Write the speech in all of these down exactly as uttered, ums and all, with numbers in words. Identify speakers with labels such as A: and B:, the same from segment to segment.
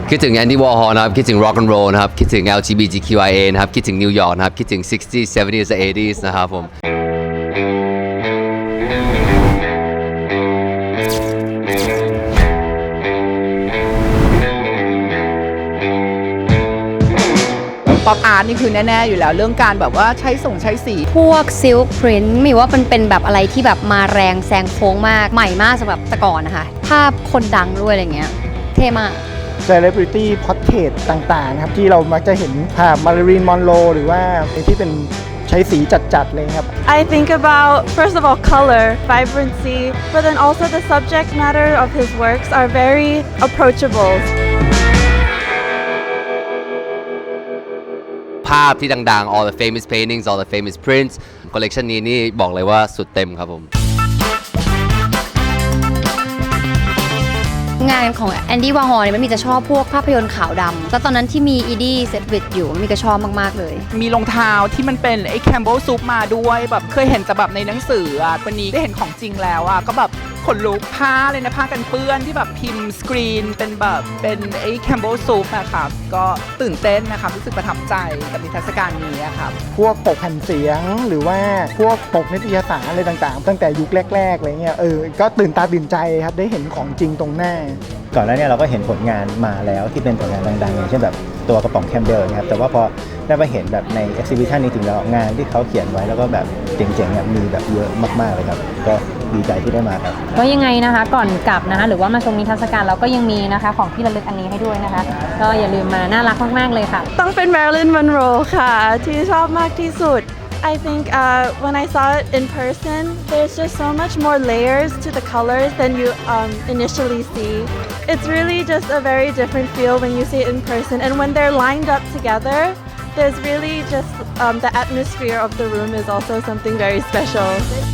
A: คิดถึง Andy Warhol นะครับคิดถึง Rock and Roll นะครับคิดถึง แอล จี บี ที คิว ไอ เอ นะครับคิดถึงนิวยอร์กนะครับคิดถึง sixties seventies และ eighties นะครับผม
B: ป๊อปอาร์ตนี่คือแน่ๆอยู่แล้วเรื่องการแบบว่าใช้ส่งใช้สี
C: พวกซิลค์พรินท์มีว่ามันเป็นแบบอะไรที่แบบมาแรงแซงโค้งมากใหม่มากสำหรับแต่ก่อนนะคะภาพคนดังด้วยอะไรเงี้ยเท่มาก
D: Celebrity Portrait ต่างๆนะครับที่เรามักจะเห็นภาพมาริลีนมอนโรหรือว่าที่เป็นใช้สีจัดๆเลยครับ
E: I think about first of all color, vibrancy, but then also the subject matter of his works are very approachable.
A: ภาพที่ดังๆ all the famous paintings all the famous prints คอลเลกชันนี้นี่บอกเลยว่าสุดเต็มครับผม
C: งานของแอนดี้วาร์ฮอลเนี่ยมันมีจะชอบพวกภาพยนตร์ขาวดำแล้วตอนนั้นที่มีอีดี้เซตวิดอยู่มันมีก็ชอบมากๆเลย
B: มีรองเท้าที่มันเป็นไอ้แคมเบลซุปมาด้วยแบบเคยเห็นแต่แบบในหนังสืออ่ะวันนี้ได้เห็นของจริงแล้วอ่ะก็แบบขนลุกผ้าเลยนะผ้ากันเปื้อนที่แบบพิมพ์สกรีนเป็นแบบเป็นไอ้แคมเบลซุปนะครับก็ตื่นเต้นนะครับรู้สึกประทับใจกับนิทรรศการนี้ครับ
D: พวกปกแผ่นเสียงหรือว่าพวกปกนิตยสารอะไรต่างๆตั้งแต่ยุคแรกๆอะไรเงี้ยเออก็ตื่นตาตื่นใจครับได้เห็นของจริงตรงหน้า
F: ก่อนหน้านี้เราก็เห็นผลงานมาแล้วที่เป็นผลงานดังๆอย่างเช่นแบบตัวกระป๋องแคมเบลนะครับแต่ว่าพอได้มาเห็นแบบใน exhibition นี้จริงแล้วงานที่เขาเขียนไว้แล้วก็แบบเจ๋งๆเนี่ยมีแบบเยอะมากๆเลยครับก็ดีใจที่ได้มาครับ
G: ก็ยังไงนะคะก่อนกลับนะคะหรือว่ามาชมนิทรรศการเราก็ยังมีนะคะของที่ระลึกอันนี้ให้ด้วยนะคะก็อย่าลืมมาน่ารักมากๆเลยค่ะ
E: ต้องเป็น Marilyn Monroe ค่ะที่ชอบมากที่สุดI think uh, when I saw it in person, there's just so much more layers to the colors than you um, initially see. It's really just a very different feel when you see it in person. And when they're lined up together, there's really just um, the atmosphere of the room is also something very special.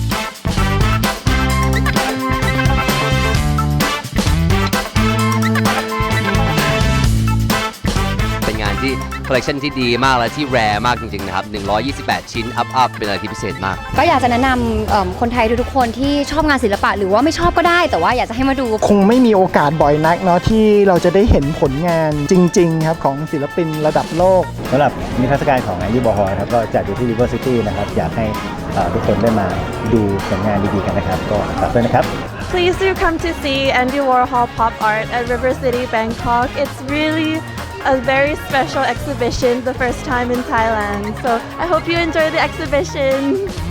A: ที่คอลเลกชันที่ดีมากและที่แรร์มากจริงๆนะครับหนึ่งร้อยยี่สิบแปดชิ้นอัพอัพเป็นอะไรที่พิเศษมาก
C: ก็อยากจะแนะนำคนไทยทุกๆคนที่ชอบงานศิลปะหรือว่าไม่ชอบก็ได้แต่ว่าอยากจะให้มาดู
D: คงไม่มีโอกาสบ่อยนักเนาะที่เราจะได้เห็นผลงานจริงๆครับของศิลปินระดับโลก
F: สำหรับนิทรรศการของแอนดี้วอร์ฮอลครับก็จัดอยู่ที่ River City นะครับอยากให้ทุกคนได้มาดูผลงานดีๆกันนะครับก็ฝากด้วยนะครับ
E: Please do come to see Andy Warhol pop art at River City, Bangkok. It's really a very special exhibition, the first time in Thailand. So I hope you enjoy the exhibition.